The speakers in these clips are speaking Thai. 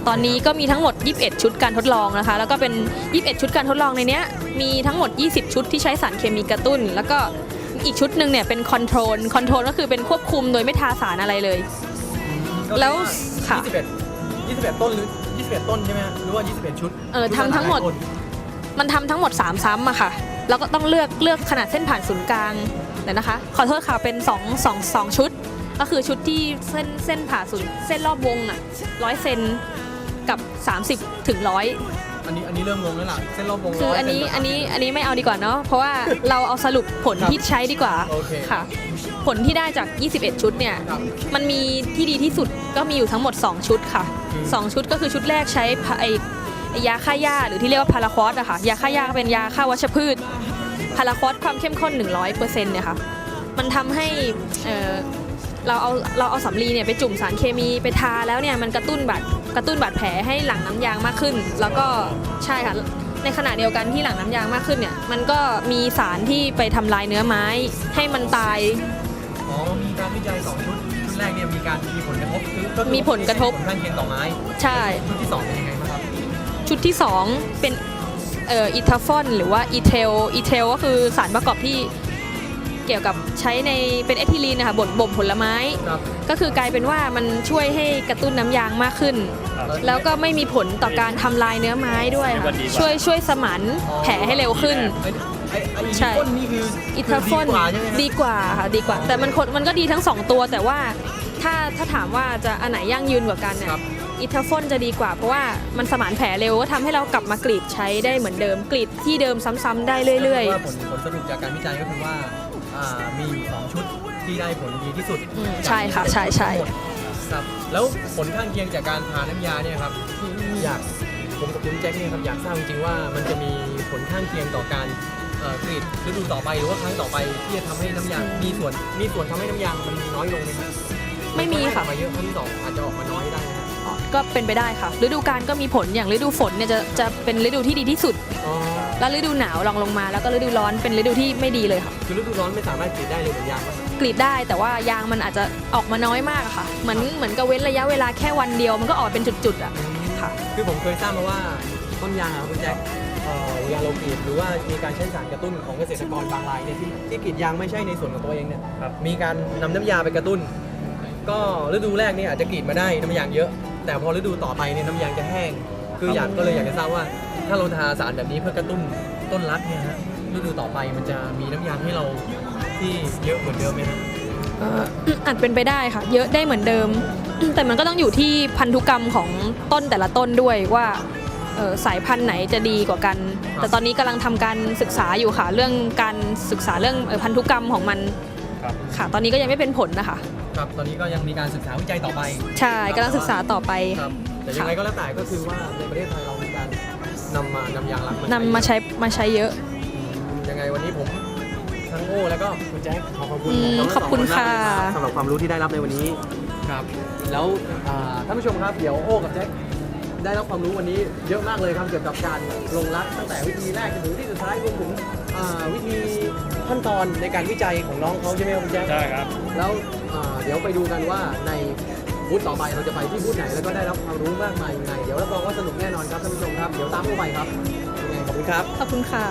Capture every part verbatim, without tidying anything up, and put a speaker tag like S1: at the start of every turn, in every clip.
S1: ตอนนี้ก็มีทั้งหมดยี่สิบเอ็ดชุดการทดลองนะคะแล้วก็เป็นยี่สิบเอ็ดชุดการทดลองในเนี้ยมีทั้งหมดยี่สิบชุดที่ใช้สารเคมีกระตุ้นแล้วก็อีกชุดหนึ่งเนี่ยเป็นคอนโทรลคอนโทรลก็คือเป็นควบคุมโดยไม่ทาสารอะไรเลยแล้วค่ะ
S2: ยี่สิบเอ็ด ยี่สิบเอ็ดต้นหรือยี่สิบเอ็ดต้นใช่ไหมหรือว่ายี่สิบเอ็ดชุด
S1: เออทำทั้งหมดมันทำทั้งหมดสามซ้ำอะค่ะแล้วก็ต้องเลือกเลือกขนาดเส้นผ่านศูนย์กลางเดี๋ยวนะคะขอโทษค่ะเป็นสอง สอง สองชุดก็คือชุดที่เส้นเส้นผ่าศูนย์เส้นรอบวงอะร้อยเซนกับสามสิบถึงร้อย
S2: อันนี้อันนี้เริ่มงงแล้วล่ะเส้นรอบวง
S1: คืออันนี้อันนี้อันนี้ไม่เอาดีกว่าเนาะเพราะว่าเราเอาสรุปผลที่ใช้ดีกว่าค่ะผลที่ได้จากยี่สิบเอ็ดชุดเนี่ยมันมีที่ดีที่สุดก็มีอยู่ทั้งหมดสองชุดค่ะสองชุดก็คือชุดแรกใช้ไอยาฆ่าหญ้าหรือที่เรียกว่าพาราควอสอะค่ะยาฆ่าหญ้าเป็นยาฆ่าวัชพืชพาราควอสความเข้มข้น หนึ่งร้อยเปอร์เซ็นต์ เนี่ยค่ะมันทำให้เอ่อเราเอาเราเอาสำลีเนี่ยไปจุ่มสารเคมีไปทาแล้วเนี่ยมันกระตุ้นบาดกระตุ้นบาดแผลให้หลั่งน้ำยางมากขึ้นแล้วก็ใช่ค่ะในขณะเดียวกันที่หลั่งน้ำยางมากขึ้นเนี่ยมันก็มีสารที่ไปทำลายเนื้อไม้ให้มันตาย
S2: อ๋อมีการวิจัยสองชุดชุดแรกเนี่ยมีการมีผลกระทบก็
S1: มีผลกระทบ
S2: ผลข้างเคียงต่อไม้
S1: ใช่
S2: ชุดที่สองเป็นยังไงบ้างครับ
S1: ชุดที่สองเป็นเอ่ออีทาฟอนหรือว่าอีเทลอีเทลก็คือสารประกอบที่เกี่ยวกับใช้ในเป็นเอทิลีนนะคะบดบ่มผลไม้ก็คือกลายเป็นว่ามันช่วยให้กระตุ้นน้ำยางมากขึ้นแล้วก็ไม่มีผลต่อการทำลายเนื้อไม้ด้วยค่ะช่วยช่วยสมานแผลให้เร็วขึ้น
S2: ใช่
S1: อีทาฟอนดีกว่าค่ะดีกว่าแต่มันมันก็ดีทั้งสองตัวแต่ว่าถ้าถ้าถามว่าจะอันไหนยั่งยืนกว่ากันเนี่ยอีทาฟอนจะดีกว่าเพราะว่ามันสมานแผลเร็วก็ทำให้เรากลับมากรีดใช้ได้เหมือนเดิมกรีดที่เดิมซ้ำๆได้เรื่อย
S2: ๆผลผลสรุปจากการวิจัยก็คือว่ามีอยู่สองชุดที่ได้ผลดีที่สุด
S1: ใช่ค่ะใช่ใช่
S2: ครับแล้วผลข้างเคียงจากการทาน้ำยาเนี่ยครับอยากผมกับคุณแจ็คเนี่ยครับอยากทราบจริงๆว่ามันจะมีผลข้างเคียงต่อการกรีดฤดูต่อไปหรือว่าครั้งต่อไปที่จะทำให้น้ำยางมีส่วนมีส่วนทำให้น้ำยางมันน้อยลงไหมครับ
S1: ไม่มีค่ะ
S2: มาเยอะครั้งที่สองอาจจะออกมาน้อยได้
S1: ก็เป็นไปได้ค่ะฤดูกาลก็มีผลอย่างฤดูฝนเนี่ยจะจะเป็นฤดูที่ดีที่สุดแล้วฤดูหนาวลองลงมาแล้วก็ฤดูร้อนเป็นฤดูที่ไม่ดีเลยค่ะ
S2: คือฤดูร้อนไม่สามารถกรีดได้เลยเหมือนยาง
S1: กรีดได้แต่ว่ายางมันอาจจะออกมาน้อยมากค่ะเหมือนเหมือนกับเว้นระยะเวลาแค่วันเดียวมันก็ออกเป็นจุดๆอ่ะค่ะ
S2: คือผมเคยทราบมาว่าต้นยางครับคุณแจ็คเวลาเรากรีดหรือว่ามีการใช้สารกระตุ้นของเกษตรกรบางรายเนี่ยที่ที่กรีดยางไม่ใช่ในส่วนของตัวเองเนี่ยมีการนำน้ำยาไปกระตุ้นก็ฤดูแรกเนี่ยอาจจะกรีดมาได้น้ำยางเยอะแต่พอฤดูต่อไปเนี่ยน้ำยางจะแห้งคืออยากก็เลยอยากจะทราบว่าถ้าเราทาสารแบบนี้เพื่อกระตุ้นต้นรักเนี่ยฮะฤดูต่อไปมันจะมีน้ำยางให้เราที่เยอะเหมือนเดิมไหมครับ
S1: อาจเป็นไปได้ค่ะเยอะได้เหมือนเดิมแต่มันก็ต้องอยู่ที่พันธุกรรมของต้นแต่ละต้นด้วยว่าสายพันธุ์ไหนจะดีกว่ากันแต่ตอนนี้กำลังทำการศึกษาอยู่ค่ะเรื่องการศึกษาเรื่องพันธุกรรมของมันค่ะตอนนี้ก็ยังไม่เป็นผลนะคะ
S2: ครับตอนนี้ก็ยังมีการศึกษาวิจัยต่อไป
S1: ใช่กำลังศึกษาต่อไป
S2: ครับแต่ยังไงก็แล้วแต่ก็คือว่าในประเทศไทยเรามีการนำมานำยางรัก
S1: นำมาใช้มาใช้เยอะ
S2: ยังไงวันนี้ผมทั้งโอ้แล้วก็คุณแจ็คขอขอบคุณ
S1: ขอบคุณค่ะ
S2: สำหรับความรู้ที่ได้รับในวันนี้ครับแล้วท่านผู้ชมครับเดี๋ยวโอ้กับแจ็คได้รับความรู้วันนี้เยอะมากเลยครับเกี่ยวกับการลงรักตั้งแต่วิธีแรกจนถึงวิธีสุดท้ายรวมถึงวิธีขั้นตอนในการวิจัยของน้องเขาใช่ไหมครับคุณแจ็ค
S3: ใช่ครับ
S2: แล้วเดี๋ยวไปดูกันว่าในบูธต่อไปเราจะไปที่บูธไหนแล้วก็ได้รับความรู้มากมายยังไงเดี๋ยวรับรองว่าสนุกแน่นอนครับท่านผู้ชมครับเดี๋ยวตามเข้าไปครับยังไงขอบคุณครับ
S1: ขอบคุณค่ะ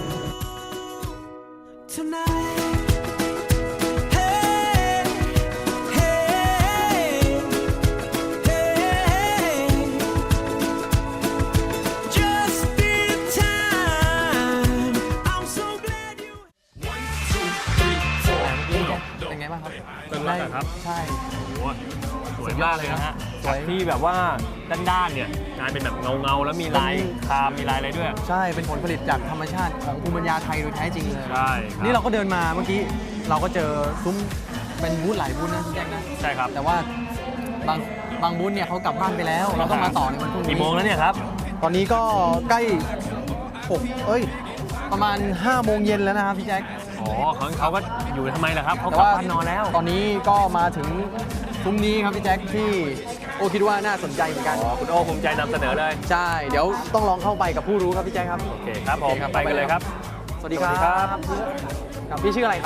S3: ได้ครับ
S2: ใช่
S3: โอ้สวยมากเลยนะฮะสวยที่แบบว่าด้านๆเนี่ยงานเป็นแบบเงาๆแล้วมีลายคามมีลายอะไรด้วย
S2: ใช่เป็นผลผลิตจากธรรมชาติของภูมิปัญญาไทยโดยแท้จริงเลย
S3: ใช่
S2: นี่เราก็เดินมาเมื่อกี้เราก็เจอซุ้มเป็นบูธหลายบูธนะแจ็คนะ
S3: ใช่ครับ
S2: แต่ว่าบางบางบูธเนี่ยเขากลับบ้านไปแล้วเราต้องมาต่อในวันพรุ่งนี้
S3: กี่โมงแล้วเนี่ยครับ
S2: ตอนนี้ก็ใกล้หกเอ้ยประมาณห้าโมงเย็นแล้วนะครับพี่แจ็ค
S3: อ๋อเขาเขาก็อยู่ทำไมล่ะครับเขากลับบ้านนอนแล้ว
S2: ตอนนี้ก็มาถึงซุ้มนี้ครับพี่แจ็คที่โอคิดว่าน่าสนใจเหมือนกัน
S3: อ๋อคุณโอภูมิใจนำเสนอเลย
S2: ใช่เดี๋ยวต้องลองเข้าไปกับผู้รู้ครับพี่แจ็คครับ
S3: โอเคครับผมไปกันเลยครับ
S2: สวัสดีครับครับพี่ชื่ออะไรครับ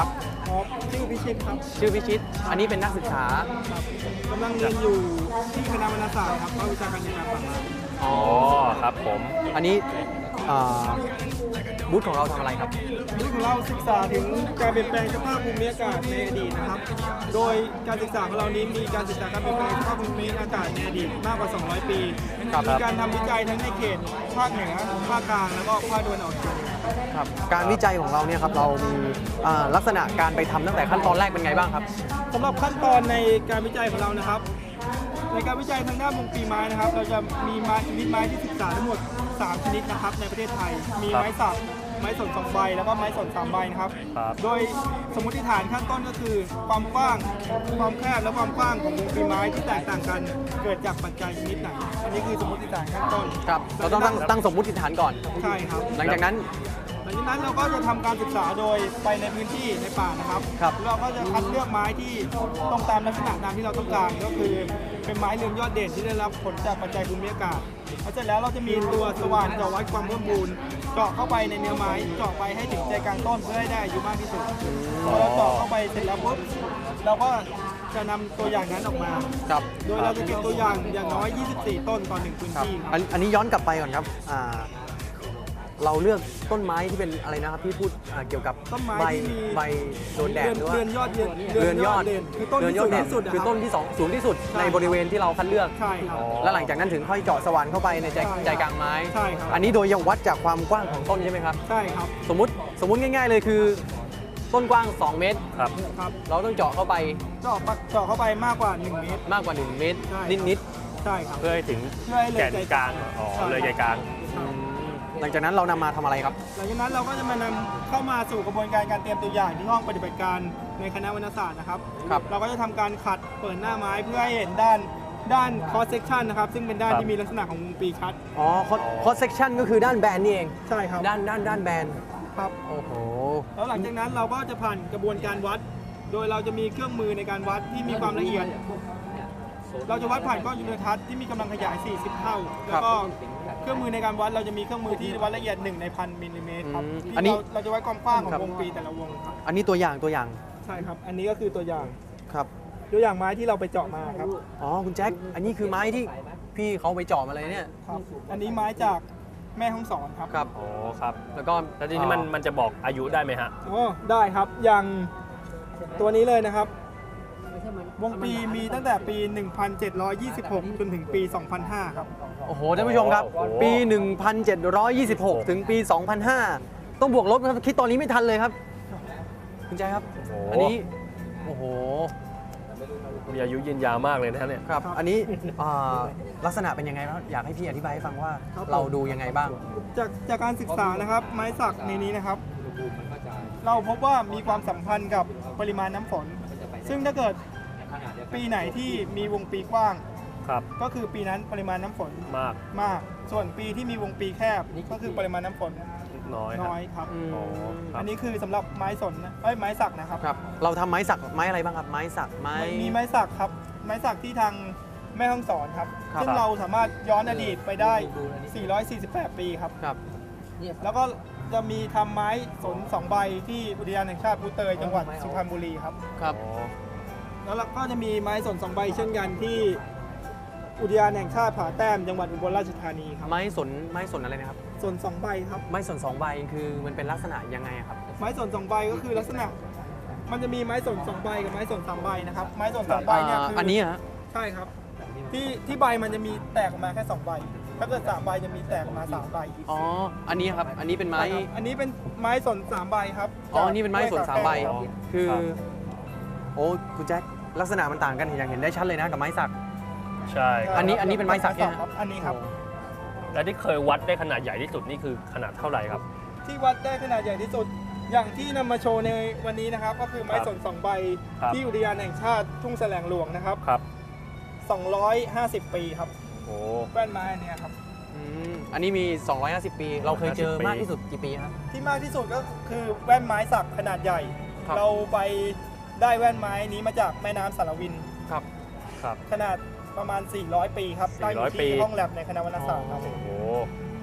S4: อ๋อชื่อพิชิตครับ
S2: ชื่อพิชิต อันนี้เป็นนักศึกษา
S4: ครับกำลังเรียนอยู่ที่คณะวรรณศาสตร์ครับภาควิชาการจัดการป่าไม้
S3: อ๋อครับผม
S2: อันนี้อ่าบูธของเราทำอะไรครับ
S4: นี่ของเราศึกษาถึงการเปลี่ยนแปลงสภาพภูมิอากาศในอดีตนะครับ โดยการศึกษาของเรานี้มีการศึกษาการเปลี่ยนแปลงสภาพภูมิอากาศในอดีตมากกว่า สองร้อย ปี
S2: ครับ
S4: มีการทำวิจัยทั้งในเขตภาคเหนือภาคกลางแล้วก็ภาคตะวันออกเฉียงเหนือ
S2: ครับ การวิจัยของเราเนี่ยครับ เรามีอ่าลักษณะการไปทำตั้งแต่ขั้นตอนแรกเป็นไงบ้างครับ
S4: สำหรับขั้นตอนในการวิจัยของเรานะครับ ในการวิจัยทางด้านวงปีไม้นะครับ เราจะมีไม้ชนิดไม้ที่ศึกษาทั้งหมดสามชนิดนะครับในประเทศไทย มีไม้สักไม้สนสองใบแล้วก็ไม้สนสามใบนะครับ
S3: ครับ
S4: โดยสมมติฐานขั้นต้นก็คือความกว้างความแคบและความกว้างของวงปีไม้ที่แตกต่างกันเกิดจากปัจจัยชนิดไหนอันนี้คือสมมติฐานขั้นต้น
S2: ครับ เราต้องตั้งตั้งสมมุติฐานก่อน
S4: ใช่ครับ
S2: หลังจากนั้น
S4: หลังจากนั้นเราก็จะทำการศึกษาโดยไปในพื้นที่ในป่านะครับ
S2: ครับ
S4: เราก็จะคัดเลือกไม้ที่ต้องตามลักษณะตามที่เราต้องการก็คือเป็นไม้เรืองยอดเด่นที่ได้รับผลจากปัจจัยภูมิอากาศแล้วเสร็จแล้วเราจะมีตัวสว่านเจาะวัดความเพิ่มพูนเจาะเข้าไปในเนื้อไม้เจาะไปให้ถึงใจกลางต้นเพื่อให้ได้อายุมากที่สุดพอเราเจาะเข้าไปเสร็จแล้วปุ๊บเราก็จะนำตัวอย่างนั้นออกมา
S2: ครับ
S4: โดยเราจะเก็บตัวอย่างอย่างน้อย ยี่สิบสี่ ต้นต่อหนึ่งพื้น
S2: ครับ
S4: ที่ค
S2: อั
S4: รับ
S2: นอันนี้ย้อนกลับไปก่อนครับอ่าเราเลือกต้นไม้ที่เป็นอะไรนะครับที่พูดอ่าเกี่ยวกับ
S4: ต้นไม้
S2: ใบ
S4: ที่มี
S2: ใบโดนแดดหรือว่า
S4: เรือนยอดเดือน
S2: เรือนยอด
S4: เดือนคือต้น
S2: เรือน
S4: ที่
S2: ยอ
S4: สู
S2: ด
S4: ง
S2: เด่น
S4: ที่สุดนะ
S2: คือ
S4: รับ
S2: ต้นที่สองสูงที่สุด
S4: ใช่
S2: ในบริเวณที่เราคัดเลือก
S4: ใช่ครับ
S3: อ๋อ
S2: แล้วหลังจากนั้นถึงค่อยเจาะสว่านเข้าไปในใจ
S4: ใช่ครับ
S2: ใจกลางไม้
S4: ใช่ครับ
S2: อันนี้โดยยังวัดจากความกว้างของต้นใช่ไหมครับ
S4: ใช่ครับ
S2: สมมติสมมติง่าย ๆ เลยคือ ต้นกว้าง สอง เมตร
S3: ครับ
S4: ครับ
S2: เราต้องเจาะเข้าไป
S4: เจาะปะเจาะเข้าไปมากกว่า หนึ่ง เมตร
S2: มากกว่า หนึ่ง เมตร
S4: ใช่
S2: นิด
S4: ใช่ครับ
S3: เพื่อให้ถึง
S4: เพื่อให้เลย
S3: แก่น
S4: ใจ
S3: กลางอ๋อ
S4: ใช่
S3: เลยใจกลาง
S2: ๆหลังจากนั้นเรานำมาทำอะไรครับ
S4: หลังจากนั้นเราก็จะมานำเข้ามาสู่กระบวนการการเตรียมตัวอย่างที่ห้องปฏิบัติการในคณะวรรณศาสตร์นะครับ
S2: ครับ
S4: เราก็จะทำการขัดเปิดหน้าไม้เพื่อให้เห็นด้านด้าน cross section นะครับ ซึ่งเป็นด้าน
S3: ครับ
S4: ที่มีลักษณะของวงปีคัด
S2: อ๋อคอสเซกชันก็คือด้านแบนนี่เอง
S4: ใช่ครับ
S2: ด้านด้านด้านแบน
S4: ครับ
S2: โอ้โห
S4: แล้วหลังจากนั้นเราก็จะผ่านกระบวนการวัด โดยเราจะมีเครื่องมือในการวัดที่มีความละเอียด เราจะวัดผ่านกล้องจุลทรรศน์ที่มีกำลังขยาย สี่สิบ เท่า แล้วก็เครื่องมือในการวัดเราจะมีเครื่องมือที่วัดละเอียดหนึ่งในพันมิลลิเมตรครับ
S2: อืม
S4: ที่
S2: อันนี้
S4: เราเราจะวัดความกว้างของ
S2: ครับ
S4: วงปีแต่ละวงครับ
S2: อันนี้ตัวอย่างตัวอย่าง
S4: ใช่ครับ อันนี้ก็คือตัวอย่าง
S2: ครับ
S4: ตัวอย่างไม้ที่เราไปเจาะมาครับ
S2: อ๋อคุณแจ็ค อันนี้คือไม้ที่พี่เขาไปเจาะมาเลยเนี่ย
S4: ครับ อันนี้ไม้จากแม่ฮ่องสอนครับ
S2: ครับ
S3: อ๋อครับ
S2: แล้วก็
S3: แล้วทีนี้มันมันจะบอกอายุได้ไหมฮะ
S4: อ๋อได้ครับ อย่างตัวนี้เลยนะครับ วงปีมีตั้งแต่ปี หนึ่งพันเจ็ดร้อยยี่สิบหก จนถึงปี สองพันห้า ครับ
S2: โอ้โหท่านผู้ชมครับ
S3: โอ้โห
S2: ปี หนึ่งพันเจ็ดร้อยยี่สิบหก ถึงปี สองพันห้า ต้องบวกลบนะครับคิดตอนนี้ไม่ทันเลยครับ คุณแจ็คครับ
S3: โอ้โห
S2: อันนี้ โอ้โห
S3: มีอายุยืนยาวมากเลยนะฮะเนี่ย
S2: ครับ อันนี้อ่าลักษณะเป็นยังไงครับอยากให้พี่อธิบายให้ฟังว่า
S4: ครับ
S2: เราดูยังไงบ้าง
S4: จากจากการศึกษานะครับ ไม้สักในนี้นะครับ เราพบว่ามีความสัมพันธ์กับปริมาณน้ำฝน ซึ่งถ้าเกิดปีไหนที่มีวงปีกว้าง
S3: ครับ
S4: ก็คือปีนั้นปริมาณน้ำฝน
S3: มาก
S4: มาก ส่วนปีที่มีวงปีแคบก็คือปริมาณน้ำฝน
S3: น้อยฮะ
S4: น้อยครับ
S2: อืม
S3: อ๋อครับ
S4: อันนี้คือสำหรับไม้สนนะเอ้ยไม้สักนะครับ
S2: ครับ เราทำไม้สักไม้อะไรบ้างครับ ไม้สักไม้
S4: มีไม้สักครับ ไม้สักที่ทางแม่ฮ่องสอนครับ
S2: ครับ
S4: ซึ่งเราสามารถย้อนอดีตไปได้ สี่ร้อยสี่สิบแปด ปีครับ
S2: ครับ
S4: แล้วก็จะมีทำไม้สนสองใบที่อุทยานแห่งชาติภูเตยจังหวัดสุพรรณบุรีครับ
S2: ครับ
S3: อ๋อ
S4: แล้วเราก็จะมีไม้สนสองใบเช่นกันที่อุทยานแห่งชาติผาแต้มจังหวัดอุบลราชธานีครับ
S2: ไม้สนไม้สนอะไรนะครับ
S4: สนสองใบครับ
S2: ไม้สนสองใบคือมันเป็นลักษณะยังไงอะครับ
S4: ไม้สนสองใบก็คือลักษณะ มันจะมีไม้สนสองใบกับไม้สนสามใบนะครับ ไม้สนสองใบเนี่ยคือ
S2: อั
S4: อั
S2: นนี้ฮะ
S4: ใช่ครับ ที่ที่ใบมันจะมีแตกออกมาแค่สองใบ ถ้าเกิดสามใบจะมีแตกออกมาสามใบ
S2: อ๋อ อันนี้ครับ อันนี้เป็นไม้
S4: ใช่ครับอันนี้เป็นไม้สนสามใบครับ
S2: อ๋อ อันนี้เป็นไม้สนสามใบ
S4: ครับ
S2: คือ
S3: ครับ
S2: โอ้คุณแจ็ค ลักษณะมันต่างกันอย่างเห็นได้ชัดเลยนะกับไม้สัก
S3: ใช่ค
S2: อั
S3: รับ
S2: นนี้อันนี้เป็นไม้สักเนี่ย
S4: ครับ อันนี้ครับ
S3: แล้วที่เคยวัดได้ขนาดใหญ่ที่สุดนี่คือขนาดเท่าไหร่ครับ
S4: ที่วัดได้ขนาดใหญ่ที่สุด อย่างที่นำมาโชว์ในวันนี้นะครับ ก็คือไม้สนสองใบ
S3: ครับ
S4: ที่อุทยานแห่งชาติทุ่งแสลงหลวงนะครับ
S3: ครับ
S4: สองร้อยห้าสิบ ปีครับ
S3: โอ้
S4: แว่นไม้อันเนี้ยครับ
S2: อืมอันนี้มี สองร้อยห้าสิบ ปี เราเคยเจอ
S3: ปี
S2: มากที่สุดกี่ปีครับ
S4: ที่มากที่สุดก็คือแว่นไม้สักขนาดใหญ่
S2: ครับ
S4: เราไปได้แว่นไม้นี้มาจากแม่น้ำสารวิน
S2: ครับ
S3: ครับ
S4: ขนาดประมาณ สี่ร้อย ปีครับตั้งอยู่
S3: สี่ร้อยปี
S4: ที่ห้องแลบในคณะวรรณศาสตร์ครับ
S3: โอ้โห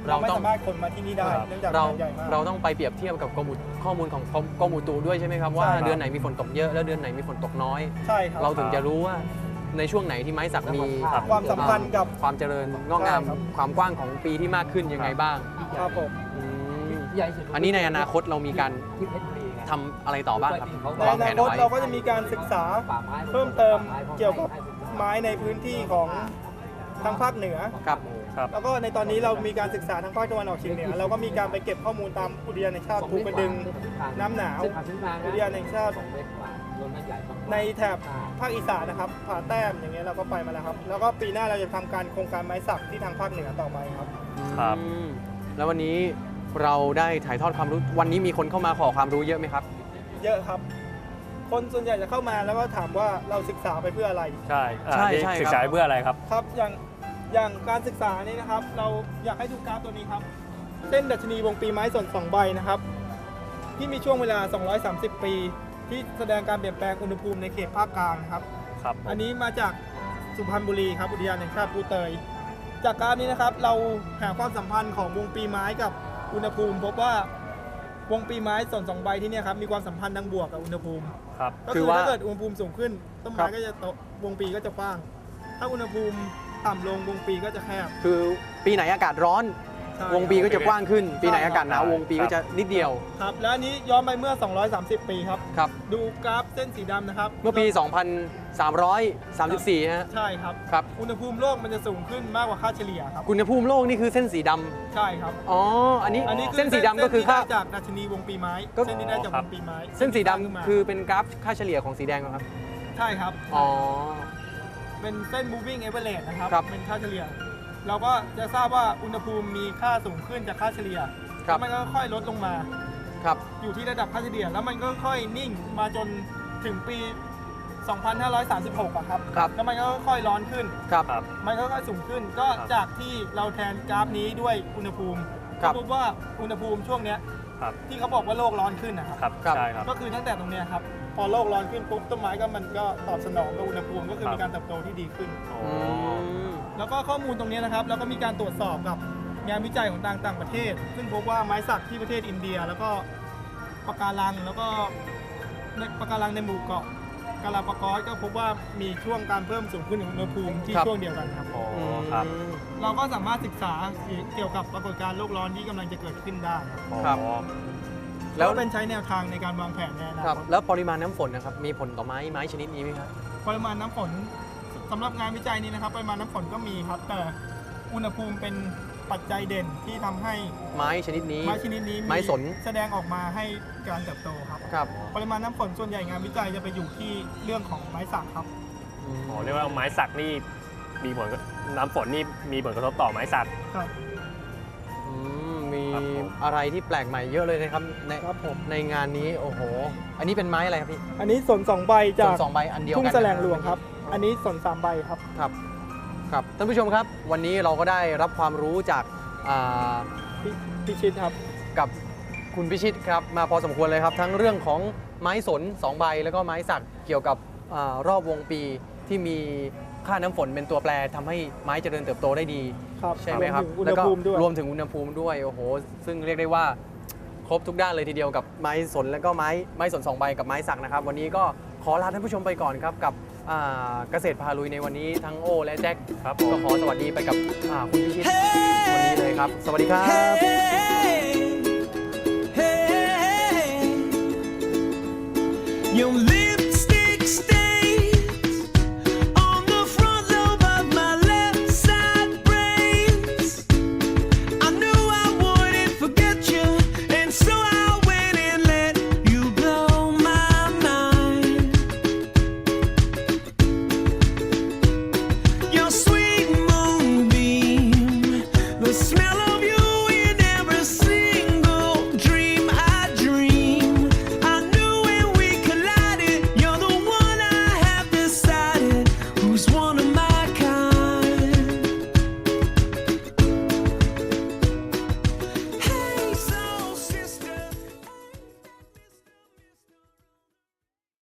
S4: เราไม่
S2: เราต้อง
S4: สามารถขนมาที่นี่ได้
S3: ครับ
S4: เนื่องจาก
S2: เรา
S4: มันใหญ่มาก
S2: เราต้องไปเปรียบเทียบกับกรมอุข้อมูลของกรมกรมอุตุด้วยใช่ไหมครับว่า
S4: ใช่ครับ
S2: เดือนไหนมีฝนตกเยอะแล้วเดือนไหนมีฝนตกน้อย
S4: ใช่ครับ
S2: เราถึงจะรู้ว่าในช่วงไหนที่ไม้สักมี
S4: ความสัมพันธ์กับ
S2: ความเจริญงอกงาม
S4: ใช่ครับ
S2: ความกว้างของปีที่มากขึ้นยังไงบ้าง
S4: ครับผม
S2: อืมอันนี้ในอนาคตเรามีการทำอะไรต่อบ้างครับ
S4: ใน
S2: วาง
S4: อ
S2: แผ
S4: นาน ค
S2: เอา
S4: ต
S2: ไว้
S4: เราก็จะมีการศึกษาเพิ่มเติมเกี่ยวกับไม้ในพื้นที่ของทางภาคเหนือ
S2: ครับ
S3: ครับ
S4: แล้วก็ในตอนนี้เรามีการศึกษาทางภาคตะวันออกเฉียงเหนือเราก็มีการไปเก็บข้อมูลตามอุทยานแห่งชาติภูกระดึงน้ำหนาวอุทยานแห่งชาติในแถบภาคอีสานนะครับผาแต้มอย่างเงี้ยเราก็ไปมาแล้วครับแล้วก็ปีหน้าเราจะทำการโครงการไม้สักที่ทางภาคเหนือต่อไปครับ
S3: ครับ
S2: อืมแล้ววันนี้เราได้ถ่ายทอดความรู้วันนี้มีคนเข้ามาขอความรู้เยอะไหมครับ
S4: เยอะครับ คนส่วนใหญ่จะเข้ามาแล้วก็ถามว่าเราศึกษาไปเพื่ออะไร
S3: ใช่อ่า
S2: ใช่
S3: นี่
S2: ใช่ครับ
S3: ศึกษาเพื่ออะไรครับ
S4: ครับอย่างอย่างการศึกษานี่นะครับ เราอยากให้ดูกราฟตัวนี้ครับเส้นดัชนีวงปีไม้ส่วนสองใบนะครับ ที่มีช่วงเวลา สองร้อยสามสิบ ปี ที่แสดงการเปลี่ยนแปลงอุณหภูมิในเขตภาคกลางนะครับ
S3: ครับ
S4: อันนี้มาจากสุพรรณบุรีครับอุทยานแห่งชาติภูเตย จากกราฟนี้นะครับเราหาความสัมพันธ์ของวงปีไม้กับอุณหภูมิ พบว่าวงปีไม้ส่วนสองใบที่เนี่ยครับมีความสัมพันธ์ทางบวกกับอุณหภูมิ
S3: ครับ
S4: ก็
S2: คื
S4: คือ อ
S2: ว่า
S4: ถ้าเกิดอุณหภูมิสูงขึ้นต้น
S2: ครั
S4: ไม้
S2: บ
S4: ก็จะโตวงปีก็จะกว้าง ถ้าอุณหภูมิต่ำลงวงปีก็จะแคบ
S2: คือปีไหนอากาศร้อน
S4: ใช่
S2: วงปีก็จะกว้างขึ้น ปีไหน
S4: ใช่ครับ
S2: อากาศหนาววงปีก็จะนิดเดียว
S4: ครับแล้วอันนี้ย้อนไปเมื่อ สองร้อยสามสิบ ปีครับ
S2: ครับ
S4: ดูกราฟเส้นสีดำนะครับ
S2: เมื่อปี สองพันสามร้อยสามสิบสี่ ฮะ
S4: ใช่ครับ
S2: ครับ
S4: อุณหภูมิโลกมันจะสูงขึ้นมากกว่าค่าเฉลี่ยครับ
S2: อุณหภูมิโลกนี่คือเส้นสีดำ
S4: ใช่ครับ
S2: อ๋อ อันนี้
S4: อันนี้คือ
S2: เส้นสีดำก็คือค่า
S4: เส้นที่ได้จากดัชนีวงปีไม้
S2: ก็
S4: เส้นที่ได้จากวงปีไม้
S2: เส้นสีดำ
S4: ขึ้นมา
S2: คือเป็นกราฟค่าเฉลี่ยของสีแดงเหรอครับ
S4: ใช่ครับ
S2: อ๋อ
S4: เป็นเส้น moving average นะครับ
S2: ครับ
S4: เป็นค่าเฉลี่ย เราก็จะทราบว่าอุณหภูมิมีค่าสูงขึ้นจากค่าเฉลี่ย
S2: ครับ
S4: แล้วมันก็ค่อยลดลงมา
S2: ครับ
S4: อยู่ที่ระดับค่าเฉลี่ย แล้วมันก็ค่อยนิ่งมาจนถึงปี สองพันห้าร้อยสามสิบหกอะครับ
S2: ครับ
S4: แล้วมันก็ค่อยร้อนขึ้น
S2: ครับ
S3: ครับ
S4: มันก็ค่อยสูงขึ้น ก็
S3: ครับ
S4: จากที่เราแทนกราฟนี้ด้วยอุณหภูมิ
S2: ครั
S4: ก็
S2: บ
S4: พบว่าอุณหภูมิช่วงเนี้ย
S3: ครับ
S4: ที่เขาบอกว่าโลกร้อนขึ้นนะครับ
S3: ครับ
S2: ครับ
S3: ใช่ครับ
S4: ก็คือตั้งแต่ตรงเนี้ยครับ พอโลกร้อนขึ้นปุ๊บต้นไม้ก็มันก็ตอบสนองกับอุณหภูมิ ก็คือ
S3: ครับ
S4: มีการเติบโตที่ดีขึ้น
S3: อ๋อ
S2: อืม
S4: แล้วก็ข้อมูลตรงนี้นะครับแล้วก็มีการตรวจสอบกับงานวิจัยของต่างต่างประเทศ ซึ่งพบว่าไม้สักที่ประเทศอินเดีย แล้วก็ปะการังแล้วก็ในปะการังในหมู่เกาะกาลาปากอสก็พบว่ามีช่วงการเพิ่มสูงขึ้นของอุณหภูมิที่
S2: ครับ
S4: ช่วงเดียวกันครับ
S3: อ๋อครับ
S4: เราก็สามารถศึกษาเกี่ยวกับปรากฏการณ์โลกร้อนที่กำลังจะเกิดขึ้นได้ครับ
S2: ครับ
S3: อ๋อ
S2: แล้
S4: แล้ว วเป็นใช้แนวทางในการวางแผนในอนา
S2: ครับ
S4: คต
S2: แล้วปริมาณน้ำฝนนะครับ มีผลต่อไม้ไม้ชนิดนี้ไหมครับ
S4: ปริมาณน้ำฝนสำหรับงานวิจัยนี้นะครับปริมาณน้ำฝนก็มีครับ แต่อุณหภูมิเป็นปัจจัยเด่นที่ทำให้
S2: ไม้ชนิดนี้
S4: ไม้ชนิดนี้
S2: ไม้สน
S4: แสดงออกมาให้การเติบโตครับ
S2: ครับ
S4: ปริมาณน้ำฝนส่วนใหญ่งานวิจัยจะไปอยู่ที่เรื่องของไม้สักครับ
S2: อืม
S3: อ๋อเรียกว่าไม้สักนี่มีผลกับน้ำฝนนี่มีผลกระทบต่อไม้สัก
S4: ครับ
S2: อืมมี
S3: ครับผม
S2: อะไรที่แปลกใหม่เยอะเลยนะครับใน
S4: ครับผม
S2: ในงานนี้โอ้โห อันนี้เป็นไม้อะไรครับพี่
S4: อันนี้สนสองใบ
S2: ส่
S4: จา
S2: วน
S4: ก
S2: สองใบอันเดียวกัน
S4: ทุ่งแสลงหลวงครับ อันนี้สนสามใบครับ
S2: ครับครับท่านผู้ชมครับ วันนี้เราก็ได้รับความรู้จากอ่า
S4: พี่พิชิตครับ
S2: กับคุณพิชิตครับมาพอสมควรเลยครับ ทั้งเรื่องของไม้สนสองใบแล้วก็ไม้สักเกี่ยวกับอารอบวงปีที่มีค่าน้ำฝนเป็นตัวแปรทำให้ไม้เจริญเติบโตได้ดี
S4: ครับ
S2: ใช่ไหมครับ
S4: วมถึงอุณ
S2: แล้
S4: ห
S2: วก็
S4: ภูมิด้วย
S2: รวมถึงอุณหภูมิด้วยโอ้โหซึ่งเรียกได้ว่าครบทุกด้านเลยทีเดียวกับไม้สนแล้วก็ไม้ไม้สนสองใบกับไม้สักนะครับ วันนี้ก็ขอลาท่านผู้ชมไปก่อนครับกับอ่าเกษตรพาลุยในวันนี้ทั้งโอและแจ็ค
S3: ครับผม
S2: ก็ขอสวัสดีไปกับอ่าคุณพิชิตวันนี้เลยครับ สวัสดีครับ
S5: Hey, hey, you